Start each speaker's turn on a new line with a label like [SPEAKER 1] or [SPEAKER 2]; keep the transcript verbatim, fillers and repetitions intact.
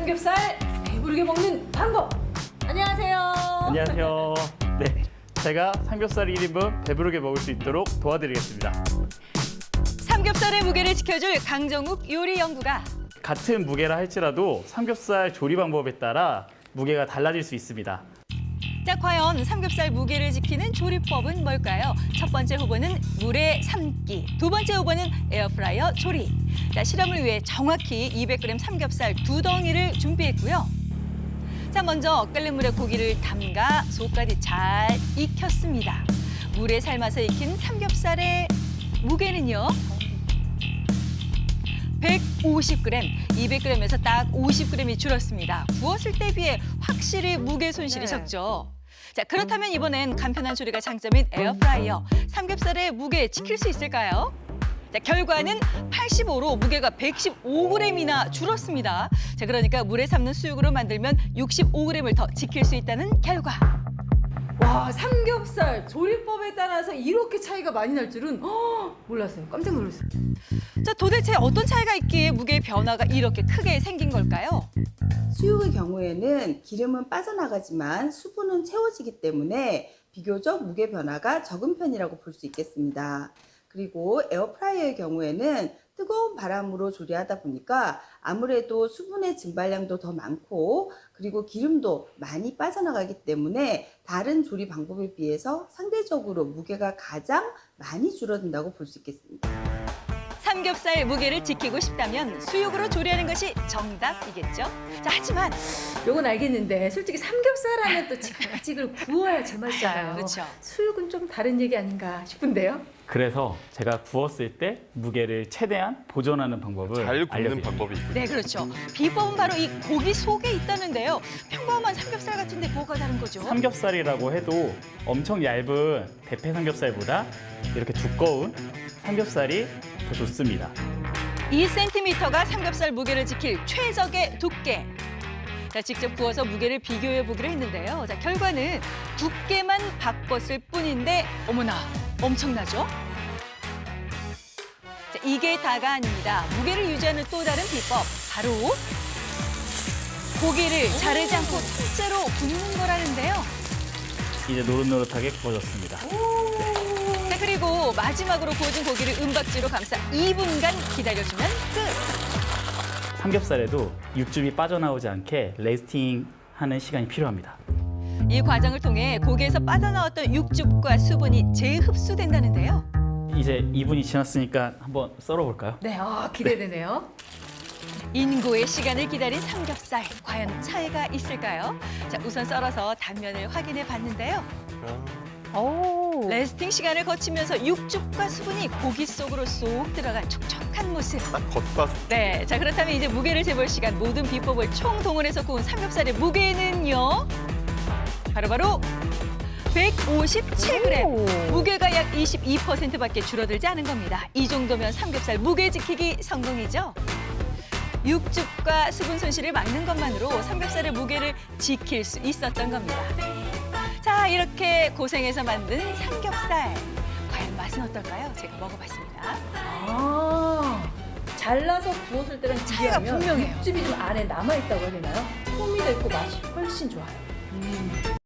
[SPEAKER 1] 삼겹살 배부르게 먹는 방법. 안녕하세요.
[SPEAKER 2] 안녕하세요. 네, 제가 삼겹살 일 인분 배부르게 먹을 수 있도록 도와드리겠습니다.
[SPEAKER 3] 삼겹살의 무게를 지켜줄 강정욱 요리 연구가
[SPEAKER 2] 같은 무게라 할지라도 삼겹살 조리 방법에 따라 무게가 달라질 수 있습니다.
[SPEAKER 3] 자, 과연 삼겹살 무게를 지키는 조리법은 뭘까요? 첫 번째 후보는 물에 삶기, 두 번째 후보는 에어프라이어 조리. 자, 실험을 위해 정확히 이백 그램 삼겹살 두 덩이를 준비했고요. 자, 먼저 끓는 물에 고기를 담가 속까지 잘 익혔습니다. 물에 삶아서 익힌 삼겹살의 무게는요? 백오십 그램, 이백 그램에서 딱 오십 그램이 줄었습니다. 구웠을 때 비해 확실히 무게 손실이
[SPEAKER 1] 네.
[SPEAKER 3] 적죠. 자, 그렇다면 이번엔 간편한 조리가 장점인 에어프라이어. 삼겹살의 무게 지킬 수 있을까요? 자, 결과는 팔십오로 무게가 백십오 그램이나 줄었습니다. 자, 그러니까 물에 삶는 수육으로 만들면 육십오 그램을 더 지킬 수 있다는 결과.
[SPEAKER 1] 와, 삼겹살 조리법에 따라서 이렇게 차이가 많이 날 줄은 허, 몰랐어요. 깜짝 놀랐어요.
[SPEAKER 3] 자, 도대체 어떤 차이가 있기에 무게의 변화가 이렇게 크게 생긴 걸까요?
[SPEAKER 4] 수육의 경우에는 기름은 빠져나가지만 수분은 채워지기 때문에 비교적 무게 변화가 적은 편이라고 볼 수 있겠습니다. 그리고 에어프라이어의 경우에는 뜨거운 바람으로 조리하다 보니까 아무래도 수분의 증발량도 더 많고 그리고 기름도 많이 빠져나가기 때문에 다른 조리 방법에 비해서 상대적으로 무게가 가장 많이 줄어든다고 볼 수 있겠습니다.
[SPEAKER 3] 삼겹살 무게를 지키고 싶다면 수육으로 조리하는 것이 정답이겠죠? 자, 하지만
[SPEAKER 1] 요건 알겠는데 솔직히 삼겹살 하면 또 지글지글 구워야 제맛이잖아요.
[SPEAKER 3] 그렇죠.
[SPEAKER 1] 수육은 좀 다른 얘기 아닌가 싶은데요.
[SPEAKER 2] 그래서 제가 구웠을 때 무게를 최대한 보존하는 방법을
[SPEAKER 5] 잘 굽는
[SPEAKER 2] 알려드립니다.
[SPEAKER 5] 방법이 있군요.
[SPEAKER 3] 네, 그렇죠. 비법은 바로 이 고기 속에 있다는데요. 평범한 삼겹살 같은데 뭐가 다른 거죠?
[SPEAKER 2] 삼겹살이라고 해도 엄청 얇은 대패 삼겹살보다 이렇게 두꺼운 삼겹살이 더 좋습니다.
[SPEAKER 3] 이 센티미터가 삼겹살 무게를 지킬 최적의 두께. 자, 직접 구워서 무게를 비교해 보기로 했는데요. 자, 결과는 두께만 바꿨을 뿐인데 어머나 엄청나죠? 자, 이게 다가 아닙니다. 무게를 유지하는 또 다른 비법, 바로 고기를 자르지 않고 통째로 굽는 거라는데요.
[SPEAKER 2] 이제 노릇노릇하게 구워졌습니다.
[SPEAKER 3] 자, 그리고 마지막으로 구워진 고기를 은박지로 감싸 이 분간 기다려주면 끝.
[SPEAKER 2] 삼겹살에도 육즙이 빠져나오지 않게 레스팅하는 시간이 필요합니다.
[SPEAKER 3] 이 과정을 통해 고기에서 빠져나왔던 육즙과 수분이 재흡수된다는데요.
[SPEAKER 2] 이제 이 분이 지났으니까 한번 썰어볼까요?
[SPEAKER 1] 네, 아, 기대되네요.
[SPEAKER 3] 인고의 시간을 기다린 삼겹살, 과연 차이가 있을까요? 자, 우선 썰어서 단면을 확인해 봤는데요. 레스팅 시간을 거치면서 육즙과 수분이 고기 속으로 쏙 들어간 촉촉한 모습.
[SPEAKER 5] 딱 겉과 속.
[SPEAKER 3] 네, 자, 그렇다면 이제 무게를 재볼 시간, 모든 비법을 총동원해서 구운 삼겹살의 무게는요? 바로바로 백오십칠 그램. 무게가 약 이십이 퍼센트밖에 줄어들지 않은 겁니다. 이 정도면 삼겹살 무게 지키기 성공이죠? 육즙과 수분 손실을 막는 것만으로 삼겹살의 무게를 지킬 수 있었던 겁니다. 자, 이렇게 고생해서 만든 삼겹살. 과연 맛은 어떨까요? 제가 먹어봤습니다.
[SPEAKER 1] 아, 잘라서 구웠을 때랑
[SPEAKER 3] 차이가
[SPEAKER 1] 비교하면
[SPEAKER 3] 분명해요.
[SPEAKER 1] 육즙이 좀 안에 남아있다고 해야 되나요? 풍미도 있고 맛이 훨씬 좋아요.